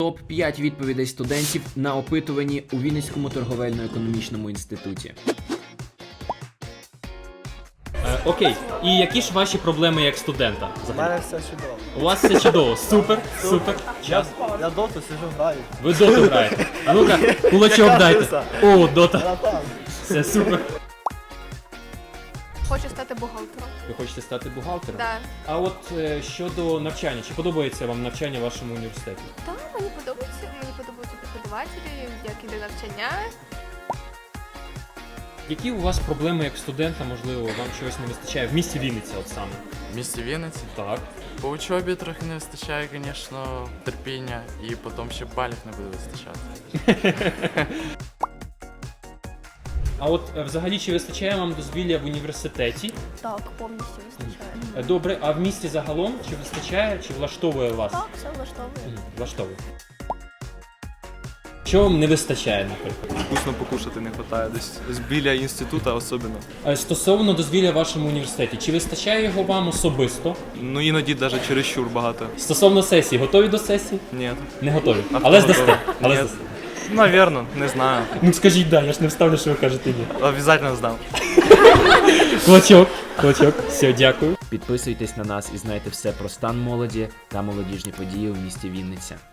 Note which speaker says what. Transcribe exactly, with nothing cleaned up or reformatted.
Speaker 1: топ п'ять відповідей студентів на опитуванні у Вінницькому торговельно-економічному інституті.
Speaker 2: Е, окей, і які ж ваші проблеми як студента?
Speaker 3: У мене все чудово.
Speaker 2: У вас все чудово, супер, супер.
Speaker 3: Я, я доту сижу, граю.
Speaker 2: Ви доту граєте. А ну-ка, кулачок
Speaker 3: Яка
Speaker 2: дайте.
Speaker 3: краса.
Speaker 2: О, дота.
Speaker 3: Братан.
Speaker 2: Все супер.
Speaker 4: Хочу стати бухгалтером.
Speaker 2: Ви хочете стати бухгалтером?
Speaker 4: Да.
Speaker 2: А от е, щодо навчання, чи подобається вам навчання в вашому університеті?
Speaker 4: Та мені подобається, мені подобаються преподавателі, як іде навчання.
Speaker 2: Які у вас проблеми як студента, можливо, вам чогось не вистачає в місті Вінниця от саме?
Speaker 5: В місті Вінниці?
Speaker 2: Так.
Speaker 5: По учобі трохи не вистачає, звісно, терпіння, і потім ще балів не буде вистачати.
Speaker 2: А от е, взагалі чи вистачає вам дозвілля в університеті?
Speaker 4: Так, повністю вистачає.
Speaker 2: Е, Добре, а в місті загалом чи вистачає, чи влаштовує вас?
Speaker 4: Так, все влаштовує.
Speaker 2: Мгм, влаштовує. Що вам не вистачає, наприклад?
Speaker 6: Вкусно покушати не вистачає, десь з біля інституту особливо.
Speaker 2: Е, Стосовно дозвілля в вашому університеті, чи вистачає його вам особисто?
Speaker 6: Ну іноді навіть чересчур багато.
Speaker 2: Стосовно сесії, готові до сесії?
Speaker 6: Ні.
Speaker 2: Не готові.
Speaker 6: А
Speaker 2: Але
Speaker 6: хто
Speaker 2: здасте.
Speaker 6: готовий?
Speaker 2: Але
Speaker 6: Ні.
Speaker 2: здасте.
Speaker 6: Навірно, не знаю.
Speaker 2: Ну скажіть да, я ж не вставлю, що ви кажете ні.
Speaker 6: Обов'язково здам.
Speaker 2: Кулачок, кулачок. Все, дякую.
Speaker 1: Підписуйтесь на нас і знайте все про стан молоді та молодіжні події у місті Вінниця.